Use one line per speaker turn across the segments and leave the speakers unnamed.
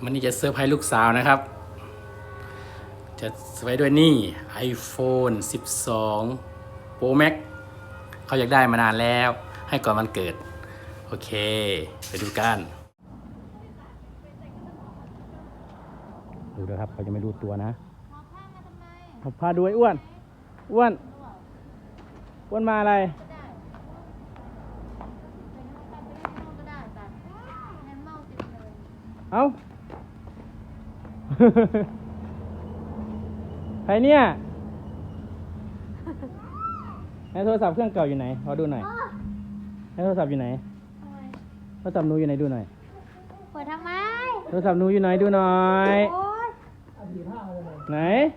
วันนี้จะเซอร์ไพรส์ลูกสาวนะครับ จะเซอร์ไพรส์ด้วยนี่ iPhone 12 Pro Max เขาอยากได้มานานแล้ว ให้ก่อนวันเกิด โอเค ไปดูกัน ดูนะครับ เขาจะไม่รู้ตัวนะหอบผ้าดูไอ้อ้วน อ้วน อ้วนมาอะไร เอ้า ใครเนี่ยให้โทรศัพท์เครื่องเก่าอยู่ไหนขอดูหน่อยให้โทรศัพท์อยู่ไหนโทรศัพท์หนูอยู่ไหนดูหน่อย
เปิดทำไม
โทรศัพท์หนูอยู่ไหนดูหน่อย
โอ๊ย
ไหน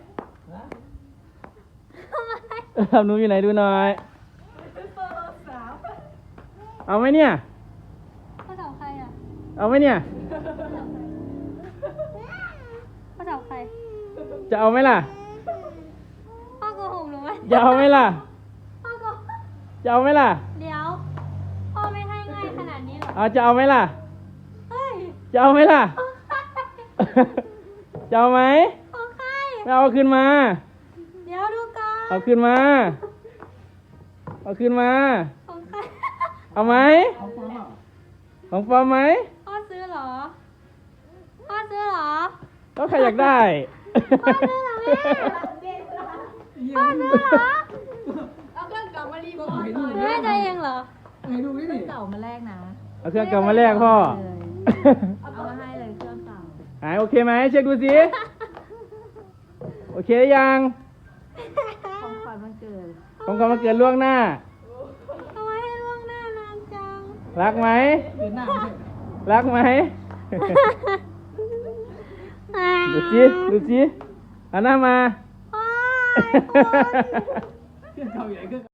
โทรศัพท์หนูอยู่ไหนดูหน่อย เอาไหมเนี่ย
พ่อจับใครอ่ะ
เอาไหมเนี่ย
พ่อจับใคร
จะเอาไหมล่ะ
พ่อโกหกหนูไหม
จะเอาไหมล่ะ
พ่อโกหก
จะเอาไหมล่ะ
เดี๋ยว พ่อไม่ให้ง่ายขนาดนี้หรอ
เอาจะเอาไหมล่ะ
เฮ้ย
จะเอาไหมล่ะ จะเอาไหม
ของใคร
ไม่เอาคืนมา
เดี๋ยวดูก่อน
เอาคืนมา เอาคืนมา
ของใคร
เอาไหม ของปลอมไหม
พ่อซื้อเหรอ พ่อซื้อเหรอ
ก็ใครอยากได้
พ่อซื้อเหรอแม่ พ่อซื้อเหรอ
เอาเครื่องเก่ามารีโมท
แม่ใจเองเหรอ
ให้ดูนี่ดิเก่ามาแรกนะ
เอาเครื่องเก่ามาแลกพ่อ
เอามาให้เลยเครื่องเก่า
หายโอเคไหมเช็คดูสิ โอเคหรือยัง
ของขวัญวันเกิด
ผมก็มาเกิดล่วงหน้า
ทำไมให้ล่วงหน้านานจัง
รักไหม
เดือนหน้า
รักไหม ดูสิ ดูสิเอาหน้ามา
พ่อ
เครื่องเก่าอยู่ไหนเครื่อง